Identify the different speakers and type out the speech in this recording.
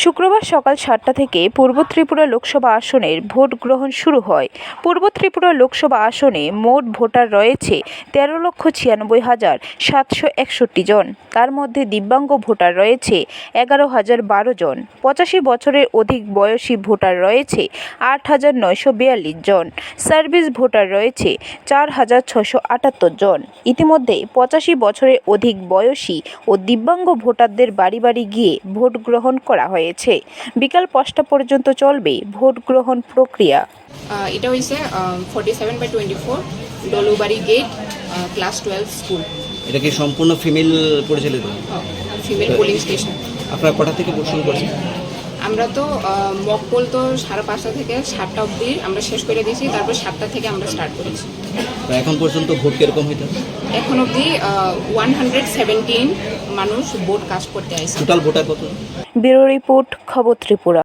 Speaker 1: শুক্রবার সকাল ৭টা থেকে পূর্ব ত্রিপুরা লোকসভা আসনের ভোট গ্রহণ শুরু হয়। পূর্ব ত্রিপুরা লোকসভা আসনে মোট ভোটার রয়েছে ১৩,৯৬,৭৬১ জন। তার মধ্যে দিব্যাঙ্গ ভোটার রয়েছে ১১,০১২ জন। ৮৫ বছরের অধিক বয়সী ভোটার রয়েছে ৮,৯৪২ জন। সার্ভিস ভোটার রয়েছে ৪,৬৭৮ জন। ইতিমধ্যে ৮৫ বছরের অধিক বয়সী ও দিব্যাঙ্গ ভোটারদের বাড়ি বাড়ি গিয়ে ভোট গ্রহণ করা হয়েছে। বিকাল ৫টা পর্যন্ত চলবে ভোট গ্রহণ প্রক্রিয়া।
Speaker 2: এটা হয়েছে 47/24 ডলুবাড়ি গেট ক্লাস 12 স্কুল।
Speaker 3: এটা কি সম্পূর্ণ ফিমেল পরিচালিত?
Speaker 2: Female polling station.
Speaker 3: আপনারা কটা থেকে ভোট শুরু করছেন?
Speaker 2: আমরা তো মক পোল তো 5:30 থেকে 7টা অবধি আমরা শেষ করে দিয়েছি, তারপর 7টা থেকে আমরা স্টার্ট করেছি।
Speaker 3: এখন পর্যন্ত ভোট কিরকম হইতে?
Speaker 2: এখন অবধি 117 মানুষ ভোট কাস্ট করতে আসছে।
Speaker 3: টোটাল ভোটার কত?
Speaker 1: ব্যুরো রিপোর্ট, খবর ত্রিপুরা।